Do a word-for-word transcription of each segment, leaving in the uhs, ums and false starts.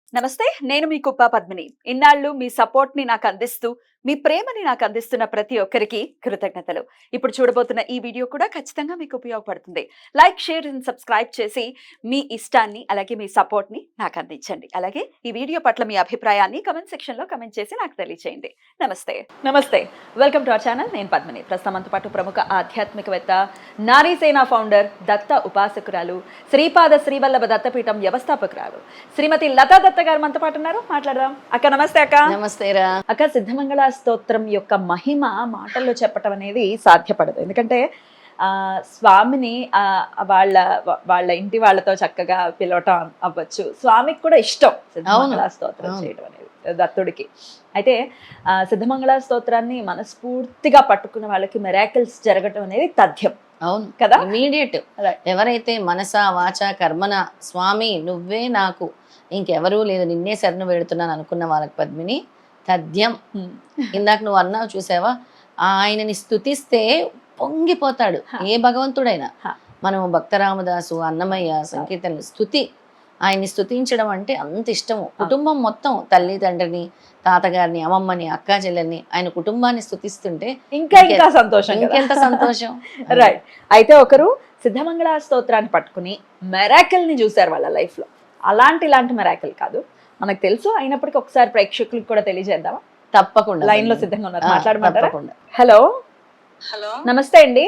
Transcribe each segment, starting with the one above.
నమస్తే. నేను మీ కుప్ప పద్మిని. ఇన్నాళ్ళు మీ సపోర్ట్‌ని నాకందిస్తూ, మీ ప్రేమని నాకందిస్తున్న ప్రతి ఒక్కరికి కృతజ్ఞతలు. ఇప్పుడు చూడబోతున్న ఈ వీడియో కూడా ఖచ్చితంగా మీకు ఉపయోగపడుతుంది. లైక్, షేర్ అండ్ సబ్స్క్రైబ్ చేసి మీ ఇష్టాన్ని, అలాగే మీ సపోర్ట్‌ని నాకందించండి. అలాగే ఈ వీడియో పట్ల మీ అభిప్రాయాన్ని కామెంట్ సెక్షన్‌లో కామెంట్ చేసి నాకు తెలియజేయండి. నమస్తే. నమస్తే. Welcome to our channel. నేను పద్మిని. ప్రస్తుతం మనతో పాటు ప్రముఖ ఆధ్యాత్మికవేత్త, నారీసేన ఫౌండర్, దత్త ఉపాసకురాలు, శ్రీపాద శ్రీవల్లభ దత్తపీఠం వ్యవస్థాపకురాలు శ్రీమతి లతా దత్త గారు మనతో పాటు ఉన్నారు. మాట్లాడదాం. అక్క నమస్తే. అక్క నమస్తే రా. అక్క, సిద్ధమంగళ స్తోత్రం యొక్క మహిమ మాటల్లో చెప్పటం అనేది సాధ్యపడదు. ఎందుకంటే ఆ స్వామిని ఆ వాళ్ళ వాళ్ళ ఇంటి వాళ్ళతో చక్కగా పిలవటం అవ్వచ్చు, స్వామికి కూడా ఇష్టం సిద్ధమంగళ స్తోత్రం చేయడం అనేది దత్తుడికి. అయితే ఆ సిద్ధమంగళ స్తోత్రాన్ని మనస్ఫూర్తిగా పట్టుకున్న వాళ్ళకి మిరాకిల్స్ జరగటం అనేది తథ్యం. అవును కదా, ఇమీడియట్. ఎవరైతే మనస వాచ కర్మన స్వామి నువ్వే నాకు, ఇంకెవరూ లేదు, నిన్నే శరణు వేడుతున్నాను అనుకున్న వాళ్ళకి పద్మిని తథ్యం. ఇందాక నువ్వు అన్నావు చూసావా, ఆయనని స్తుతిస్తే పొంగిపోతాడు ఏ భగవంతుడైనా. మనం భక్తరామదాసు, అన్నమయ్య సంకీర్తనలు, స్తుతి, ఆయన్ని స్తుతించడం అంటే అంత ఇష్టము. కుటుంబం మొత్తం తల్లి తండ్రిని, తాతగారిని, అమ్మమ్మని, అక్కా చెల్లెల్ని, ఆయన కుటుంబాన్ని స్తుతిస్తుంటే ఇంకా ఇంకా సంతోషం, ఇంకెంత సంతోషం. రైట్. అయితే ఒకరు సిద్ధమంగళ స్తోత్రాన్ని పట్టుకుని మెరాకిల్ ని చూశారు వాళ్ళ లైఫ్ లో. అలాంటి ఇలాంటి మెరాకిల్ కాదు, మనకు తెలుసు, అయినప్పటికీ ఒకసారి ప్రేక్షకులకు కూడా తెలియజేద్దామా? తప్పకుండా. లైన్ లో సిద్ధంగా ఉన్నారు, మాట్లాడమంటారా? తప్పకుండా. హలో. హలో, నమస్తే అండి.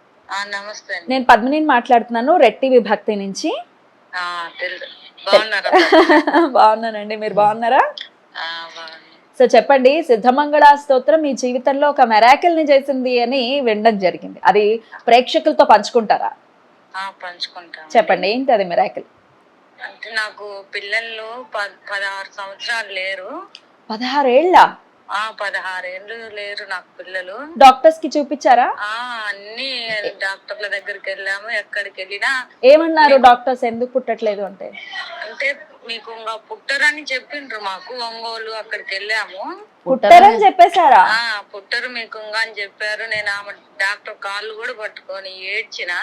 నమస్తే అండి. నేను పద్మిని మాట్లాడుతున్నాను, రెట్టి విభక్తి నుంచి. ఆ, తెలుసు. బాగున్నారా? బాగున్నానండి, మీరు బాగున్నారా? ఆ, బాగున్నా. సో చెప్పండి, సిద్ధమంగళ స్తోత్రం మీ జీవితంలో ఒక మెరాకిల్ ని చేసింది అని వినడం జరిగింది, అది ప్రేక్షకులతో పంచుకుంటారా? ఆ, పంచుకుంటా. చెప్పండి, ఏంటి అది మెరాకిల్? అంటే నాకు పిల్లలు ప- పదహారు సంవత్సరాలు లేరు. పదహారేళ్ళ? ఆ పదహారేళ్ళు లేరు నాకు పిల్లలు. డాక్టర్స్ కి చూపించారా? ఆ అన్ని డాక్టర్ల దగ్గరికి వెళ్ళాము, ఎక్కడికి వెళ్ళినా ఏమన్నారు డాక్టర్స్, ఎందుకు పుట్టట్లేదు అంటే? అంటే మీకు ఇంకా పుట్టరని చెప్పిండ్రు మాకు. ఒంగోలు అక్కడికి వెళ్ళాము. పుట్టరని చెప్పేశారా? ఆ పుట్టరు మీకు ఇంకా అని చెప్పారు. నేను ఆమె డాక్టర్ కాళ్ళు కూడా పట్టుకొని ఏడ్చిన.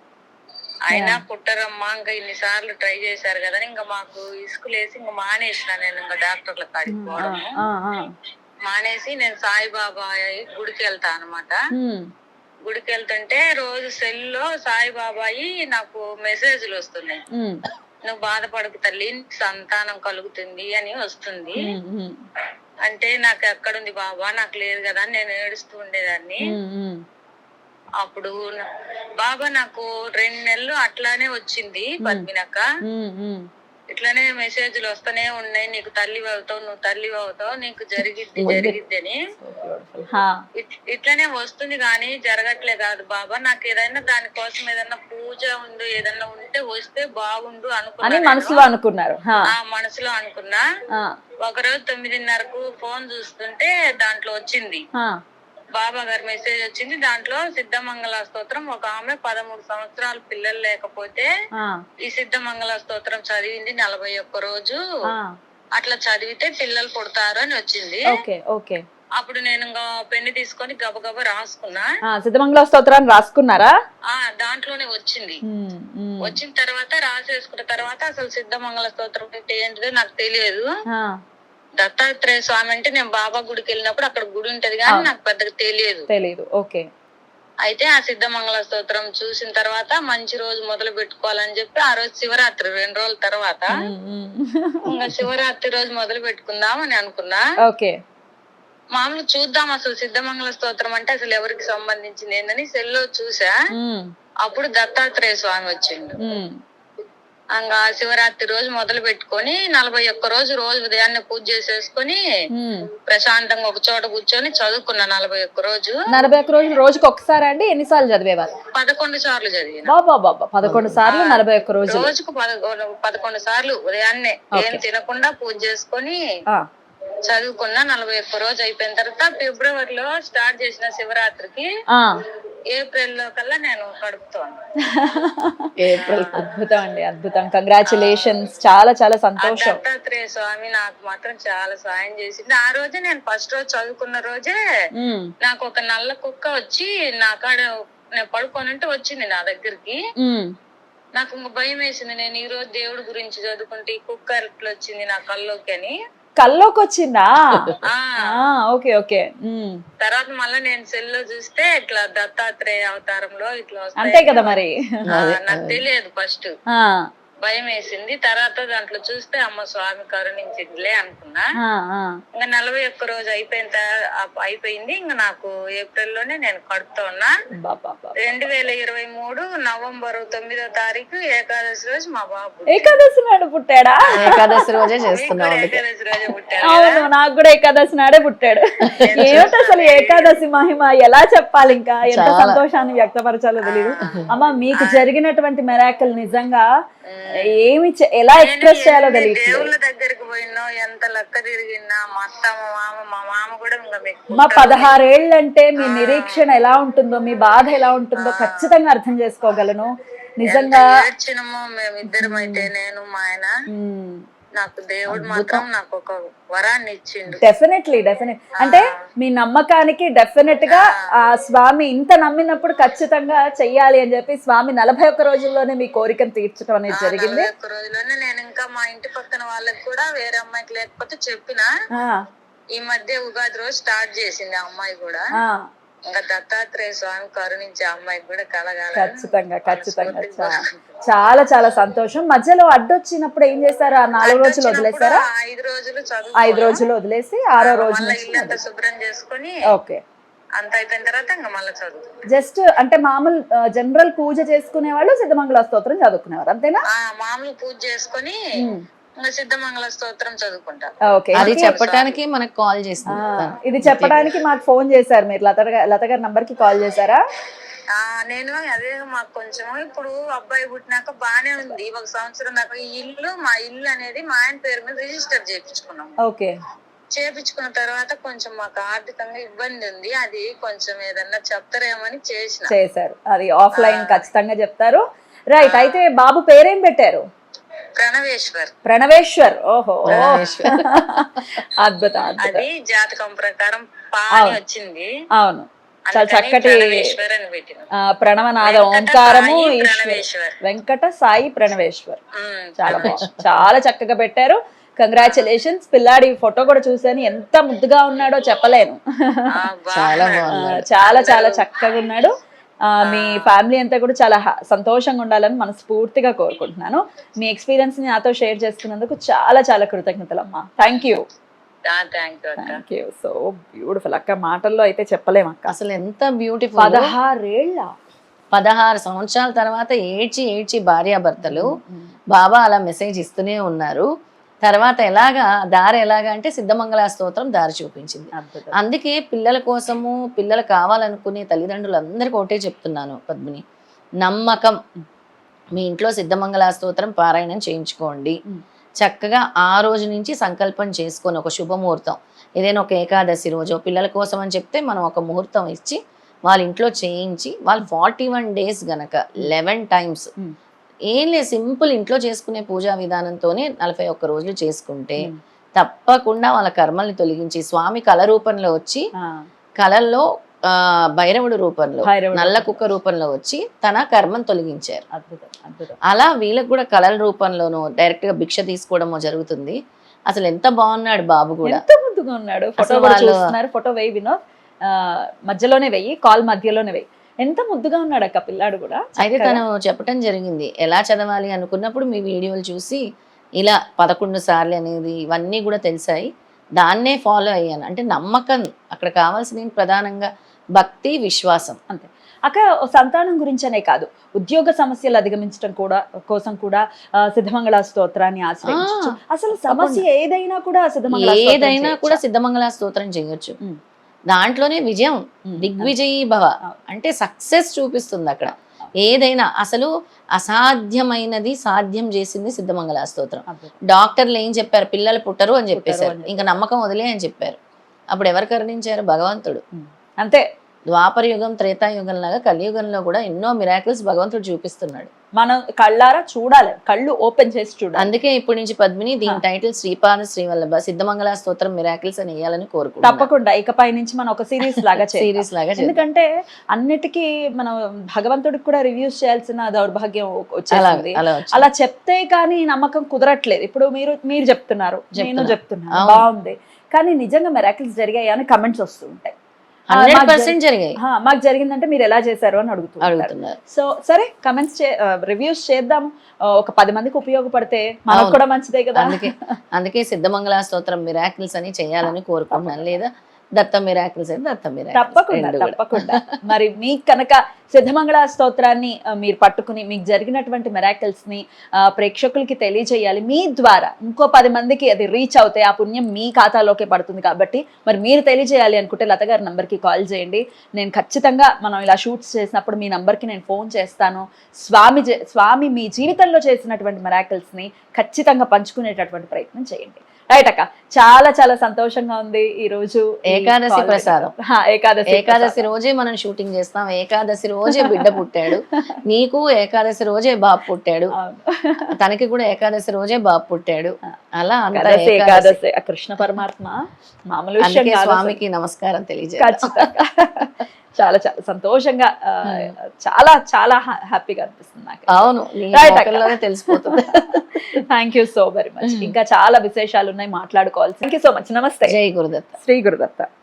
అయినా పుట్టరమ్మా, ఇంకా ఇన్నిసార్లు ట్రై చేశారు కదా, ఇంకా మాకు ఇసుకులేసి ఇంకా మానేసిన. నేను ఇంకా డాక్టర్ల కాడికి పోవడము మానేసి నేను సాయిబాబా గుడికి వెళ్తా అనమాట. గుడికి వెళ్తుంటే రోజు సెల్ లో సాయిబాబాయి నాకు మెసేజ్లు వస్తున్నాయి. నువ్వు బాధపడకు తల్లి, సంతానం కలుగుతుంది అని వస్తుంది. అంటే నాకు ఎక్కడుంది బాబా, నాకు లేదు కదా అని నేను ఏడుస్తూ ఉండేదాన్ని. అప్పుడు బాబా నాకు రెండు నెలలు అట్లానే వచ్చింది పద్మినక్క. ఇట్లానే మెసేజ్లు వస్తూనే ఉన్నాయి, నీకు తల్లి అవుతావు, నువ్వు తల్లి అవుతావు, నీకు జరిగిద్ది జరిగిద్ది అని. ఇట్లనే వస్తుంది కానీ జరగట్లే కాదు బాబా. నాకు ఏదైనా దానికోసం ఏదైనా పూజ ఉండు, ఏదన్నా ఉంటే వస్తే బాగుండు అనుకున్నా, మనసులో అనుకున్నారు. ఆ మనసులో అనుకున్నా. ఒకరోజు తొమ్మిదిన్నరకు ఫోన్ చూస్తుంటే దాంట్లో వచ్చింది, బాబా గారి మెసేజ్ వచ్చింది. దాంట్లో సిద్ధమంగళ స్తోత్రం, ఒక ఆమె పదమూడు సంవత్సరాలు పిల్లలు లేకపోతే ఈ సిద్ధమంగళ స్తోత్రం చదివింది నలభై ఒక్క రోజు, అట్లా చదివితే పిల్లలు పుడతారు అని వచ్చింది. అప్పుడు నేను ఇంకా పెన్ను తీసుకొని గబగబా రాసుకున్నా. సిద్ధమంగళ స్తోత్రాన్ని రాసుకున్నారా? ఆ దాంట్లోనే వచ్చింది. వచ్చిన తర్వాత రాసేసుకున్న తర్వాత అసలు సిద్ధమంగళ స్తోత్రం అంటే ఏంటిదో నాకు తెలియదు. దత్తాత్రేయ స్వామి అంటే నేను బాబా గుడికి వెళ్ళినప్పుడు అక్కడ గుడి ఉంటది కానీ నాకు పెద్దగా తెలియదు తెలియదు ఓకే. అయితే ఆ సిద్ధమంగళ స్తోత్రం చూసిన తర్వాత మంచి రోజు మొదలు పెట్టుకోవాలని చెప్పి ఆ రోజు శివరాత్రి రెండు రోజుల తర్వాత ఇంకా శివరాత్రి రోజు మొదలు పెట్టుకుందాం అని అనుకున్నా. ఓకే. మామూలు చూద్దాం అసలు సిద్ధమంగళ స్తోత్రం అంటే అసలు ఎవరికి సంబంధించింది ఏందని సెల్లో చూసా. అప్పుడు దత్తాత్రేయ స్వామి వచ్చిండు. ఇంకా శివరాత్రి రోజు మొదలు పెట్టుకొని నలభై ఒక్క రోజు రోజు ఉదయాన్నే పూజ చేసేసుకొని ప్రశాంతంగా ఒక చోట కూర్చొని చదువుకున్నా. నలభై ఒక్క రోజు నలభై ఒక్క రోజు రోజుకి ఒకసారి అండి? ఎన్నిసార్లు చదివేవారు? పదకొండు సార్లు చదివిన. పదకొండు సార్లు నలభై ఒక్క రోజు రోజుకు పదకొండు సార్లు ఉదయాన్నే ఏం తినకుండా పూజ చేసుకొని చదువుకున్నా. నలభై ఒక్క రోజు అయిపోయిన తర్వాత ఫిబ్రవరిలో స్టార్ట్ చేసిన శివరాత్రికి ఏప్రిల్ లో కల్లా నేను కడుపుతాను. ఏప్రిల్. అద్భుతం అండి, అద్భుతం. కంగ్రాచులేషన్స్, చాలా చాలా సంతోషం. దత్తాత్రేయ స్వామి నాకు మాత్రం చాలా సాయం చేసింది. ఆ రోజే నేను ఫస్ట్ రోజు చదువుకున్న రోజే నాకు ఒక నల్ల కుక్క వచ్చి నా కాడ నేను పడుకోనంటే వచ్చింది నా దగ్గరికి. నాకు ఇంక భయం వేసింది. నేను ఈ రోజు దేవుడి గురించి చదువుకుంటే ఈ కుక్క ఎట్లా వచ్చింది నా కల్లోకి అని. కల్లోకి వచ్చిందా? ఆ ఓకే ఓకే. తర్వాత మళ్ళీ నేను సెల్ లో చూస్తే ఇట్లా దత్తాత్రేయ అవతారంలో ఇట్లా వస్తాయి. అంతే కదా మరి. ఆ, నాకు తెలియదు ఫస్ట్, భయం వేసింది. తర్వాత దాంట్లో చూస్తే అమ్మ స్వామి కరుణించిందిలే అనుకున్నా. ఇంకా నలభై ఒక్క రోజు అయిపోయిన తర్వా- అయిపోయింది. ఇంకా నాకు ఏప్రిల్ లోనే నేను కడుపుతో ఉన్నా. రెండు వేల ఇరవై మూడు నవంబర్ తొమ్మిదో తారీఖు ఏకాదశి రోజు మా బాబు ఏకాదశి నాడు పుట్టాడా? ఏకాదశి రోజే చేస్తున్నాం. ఏకాదశి రోజే పుట్టాడు. అవును, నాకు కూడా ఏకాదశి నాడే పుట్టాడు. ఏమిటి అసలు ఏకాదశి మహిమ ఎలా చెప్పాలి, ఇంకా ఎంత సంతోషాన్ని వ్యక్తపరచాలో తెలియదు. అమ్మ, మీకు జరిగినటువంటి మెరాకిల్ నిజంగా ఏమి ఎలా ఎక్స్ప్రెస్ చేయాలో తెలియదు. దేవుళ్ళ దగ్గరికి పోయినా ఎంత లెక్క తిరిగినా మా అత్త మా మామ మా మామ కూడా ఇంకా మా పదహారేళ్ళంటే మీ నిరీక్షణ ఎలా ఉంటుందో, మీ బాధ ఎలా ఉంటుందో ఖచ్చితంగా అర్థం చేసుకోగలను. నిజంగా ఏడ్చినమో మేమిద్దరం అయితే, నేను మా ఆయన. నాకు దేవుడు మాత్రం నాకు ఒక వరాన్ని ఇచ్చిండు. డెఫినెట్లీ డెఫినెట్ అంటే మీ నమ్మకానికి డెఫినెట్ గా ఆ స్వామి ఇంత నమ్మినప్పుడు ఖచ్చితంగా చెయ్యాలి అని చెప్పి స్వామి నలభై ఒక్క రోజుల్లోనే మీ కోరికను తీర్చడం అనేది జరిగింది. ఒక్క రోజులోనే నేను ఇంకా మా ఇంటి పక్కన వాళ్ళకి కూడా వేరే అమ్మాయికి లేకపోతే చెప్పిన, ఈ మధ్య ఉగాది రోజు స్టార్ట్ చేసింది ఆ అమ్మాయి కూడా. ఇంకా దత్తాత్రేయ స్వామి కరుణించే అమ్మాయికి కూడా కలగాలి. ఖచ్చితంగా ఖచ్చితంగా. చాలా చాలా సంతోషం. మధ్యలో అడ్డొచ్చినప్పుడు ఏం చేశారు? ఆ నాలుగు రోజులు వదిలేసారా? ఐదు రోజులు ఐదు రోజులు వదిలేసి ఆరో రోజు ఇల్లంతా శుభ్రం చేసుకుని ఓకే అంత అయిపోయిన తర్వాత ఇంకా మళ్ళీ చదువు. జస్ట్ అంటే మామూలు జనరల్ పూజ చేసుకునే వాళ్ళు సిద్ధమంగళ స్తోత్రం చదువుకునేవారు అంతేనా? మామూలు పూజ చేసుకుని సిద్ధమంగళ స్తోత్రం చదువుకుంటా. అది చెప్పడానికి మనకు కాల్ చేస్తాం. ఇది చెప్పడానికి మాకు ఫోన్ చేశారు మీరు. లత లత గారి నంబర్ కి కాల్ చేశారా? ఆ నేను అదే మాకు కొంచెం ఇప్పుడు అబ్బాయి పుట్టినాక బానే ఉంది. ఒక సంవత్సరం దాకా ఈ ఇల్లు మా ఇల్లు అనేది మా ఆయన పేరు మీద రిజిస్టర్ చేయించుకున్నాం. ఓకే. చేపించుకున్న తర్వాత కొంచెం మాకు ఆర్థికంగా ఇబ్బంది ఉంది. అది కొంచెం ఏదన్నా చెప్తారేమని చేసిన చేశారు. అది ఆఫ్లైన్ ఖచ్చితంగా చెప్తారు. రైట్. అయితే బాబు పేరేం పెట్టారు? ప్రణవేశ్వర్. ప్రణవేశ్వర్. ఓహో, అద్భుతం. అది జాతకం ప్రకారం పాని వచ్చింది. అవును, చాలా చక్కటి ప్రణవనాద ఓంకారము. వెంకట సాయి ప్రణవేశ్వర్. చాలా బాగుంది, చాలా చక్కగా పెట్టారు. కంగ్రాచులేషన్స్. పిల్లాడి ఫోటో కూడా చూసాను, ఎంత ముద్దుగా ఉన్నాడో చెప్పలేను. చాలా చాలా చాలా చక్కగా ఉన్నాడు. మీ ఫ్యామిలీ అంతా కూడా చాలా సంతోషంగా ఉండాలని మనస్ఫూర్తిగా కోరుకుంటున్నాను. మీ ఎక్స్పీరియన్స్ ని నాతో షేర్ చేసుకున్నందుకు చాలా చాలా కృతజ్ఞతలు అమ్మా. Thank you. Thank you. So beautiful అక్క. మాటల్లో అయితే చెప్పలేము అక్క. అసలు ఎంత బ్యూటిఫుల్. పదహారేళ్ళ పదహారు సంవత్సరాల తర్వాత ఏడ్చి ఏడ్చి భార్యాభర్తలు బాబా అలా మెసేజ్ ఇస్తూనే ఉన్నారు. తర్వాత ఎలాగా దారి ఎలాగా అంటే సిద్ధమంగళ స్తోత్రం దారి చూపించింది. అందుకే పిల్లల కోసము, పిల్లలు కావాలనుకునే తల్లిదండ్రులందరికీ ఒకటే చెప్తున్నాను పద్మిని, నమ్మకం. మీ ఇంట్లో సిద్ధమంగళ స్తోత్రం పారాయణం చేయించుకోండి. చక్కగా ఆ రోజు నుంచి సంకల్పం చేసుకొని ఒక శుభముహూర్తం, ఏదైనా ఒక ఏకాదశి రోజు పిల్లల కోసం అని చెప్తే మనం ఒక ముహూర్తం ఇచ్చి వాళ్ళ ఇంట్లో చేయించి, వాళ్ళు ఫార్టీ వన్ డేస్ గనక లెవెన్ టైమ్స్ ఏం లేదు, సింపుల్ ఇంట్లో చేసుకునే పూజా విధానంతోనే నలభై ఒక్క రోజులు చేసుకుంటే తప్పకుండా వాళ్ళ కర్మల్ని తొలగించి, స్వామి కళ రూపంలో వచ్చి, కళల్లో ఆ భైరవుడు రూపంలో, నల్ల కుక్క రూపంలో వచ్చి తన కర్మను తొలగించారు. అలా వీళ్ళకి కూడా కళల రూపంలోనూ డైరెక్ట్ గా భిక్ష తీసుకోవడమో జరుగుతుంది. అసలు ఎంత బాగున్నాడు బాబు కూడా, ఎంత ముందుగా ఉన్నాడు. ఫోటో చూస్తున్నారు, ఫోటో వేయి వినోద్, మధ్యలోనే వెయ్యి, కాల్ మధ్యలోనే వెయ్యి. ఎంత ముద్దుగా ఉన్నాడు అక్క పిల్లాడు కూడా. అయితే తను చెప్పటం జరిగింది, ఎలా చదవాలి అనుకున్నప్పుడు మీ వీడియోలు చూసి ఇలా పదకొండు సార్లు అనేది ఇవన్నీ కూడా తెలిసాయి, దాన్నే ఫాలో అయ్యాను. అంటే నమ్మకం అక్కడ కావాల్సింది ప్రధానంగా భక్తి, విశ్వాసం. అంతే అక్క. సంతానం గురించనే కాదు, ఉద్యోగ సమస్యలు అధిగమించడం కూడా కోసం కూడా సిద్ధమంగళ స్తోత్రాన్ని ఆశ్రయించవచ్చు. అసలు సమస్య ఏదైనా కూడా సిద్ధమంగళ ఏదైనా కూడా సిద్ధమంగళ స్తోత్రం చేయొచ్చు. దాంట్లోనే విజయం, దిగ్విజయీ భవ అంటే సక్సెస్ చూపిస్తుంది అక్కడ. ఏదైనా అసలు అసాధ్యమైనది సాధ్యం చేసింది సిద్ధమంగళ స్తోత్రం. డాక్టర్లు ఏం చెప్పారు? పిల్లలు పుట్టరు అని చెప్పేశారు, ఇంకా నమ్మకం వదిలే అని చెప్పారు. అప్పుడు ఎవరు కరుణించారు? భగవంతుడు. అంతే. ద్వాపర యుగం త్రేతాయుగం లాగా కలియుగంలో కూడా ఎన్నో మిరాకిల్స్ భగవంతుడు చూపిస్తున్నాడు. మనం కళ్ళారా చూడాలి, కళ్ళు ఓపెన్ చేసి చూడాలి. అందుకే ఇప్పటి నుంచి పద్మిని దీని టైటిల్ శ్రీపాద శ్రీవల్లభ సిద్ధమంగళ స్తోత్రం మిరాకిల్స్ అని వేయాలని కోరుకుంటున్నాను. తప్పకుండా ఇకపై నుంచి మనం ఒక సిరీస్ లాగా సిరీస్ లాగా చేద్దాం. ఎందుకంటే అన్నిటికీ మనం భగవంతుడికి కూడా రివ్యూస్ చేయాల్సిన దౌర్భాగ్యం వచ్చేసింది. అలా అలా చెప్తే కానీ నమ్మకం కుదరట్లేదు. ఇప్పుడు మీరు మీరు చెప్తున్నారు, నేను చెప్తున్నాను, బాగుంది, కానీ నిజంగా మెరాకిల్స్ జరిగాయి అని కమెంట్స్ వస్తూ ఉంటాయి. హండ్రెడ్ పర్సెంట్ జరిగాయి. మాకు జరిగిందంటే మీరు ఎలా చేశారు అని అడుగుతూ అడుగుతున్నారు. సో సరే కమెంట్స్ రివ్యూస్ చేద్దాము, ఒక పది మందికి ఉపయోగపడితే మనకు కూడా మంచిదే కదా. అందుకే అందుకే సిద్ధమంగళ స్తోత్రం మిరాకిల్స్ అని చేయాలని కోరుకుంటున్నాను. లేదా దత్త మిరాకిల్స్ అయితే దత్త మిరాకిల్స్. తప్పకుండా తప్పకుండా. మరి మీకు కనుక సిద్ధమంగళ స్తోత్రాన్ని మీరు పట్టుకుని మీకు జరిగినటువంటి మిరాకిల్స్ ని ప్రేక్షకులకి తెలియజేయాలి, మీ ద్వారా ఇంకో పది మందికి అది రీచ్ అవుతే ఆ పుణ్యం మీ ఖాతాలోకే పడుతుంది. కాబట్టి మరి మీరు తెలియజేయాలి అనుకుంటే లత గారి నంబర్కి కాల్ చేయండి. నేను ఖచ్చితంగా మనం ఇలా షూట్స్ చేసినప్పుడు మీ నంబర్కి నేను ఫోన్ చేస్తాను. స్వామి స్వామి మీ జీవితంలో చేసినటువంటి మిరాకిల్స్ ని ఖచ్చితంగా పంచుకునేటటువంటి ప్రయత్నం చేయండి. రైట్ అక్క, చాలా చాలా సంతోషంగా ఉంది ఈ రోజు. ఏకాదశి ప్రసాదం. ఏకాదశి ఏకాదశి రోజే మనం షూటింగ్ చేస్తాం. ఏకాదశి రోజే బిడ్డ పుట్టాడు. నీకు ఏకాదశి రోజే బాబు పుట్టాడు, తనకి కూడా ఏకాదశి రోజే బాబు పుట్టాడు. అలా ఏకాదశి కృష్ణ పరమాత్మ మామూలు విషయం. స్వామికి నమస్కారం తెలియజేయాలి. చాలా చాలా సంతోషంగా, చాలా చాలా హ్యాపీగా అనిపిస్తుంది నాకు. అవును, తెలిసిపోతుంది. Thank you so very much. ఇంకా చాలా విశేషాలు ఉన్నాయి మాట్లాడుకోవాల్సి. Thank you so much. నమస్తే. జై గురుదత్త. శ్రీ గురుదత్త.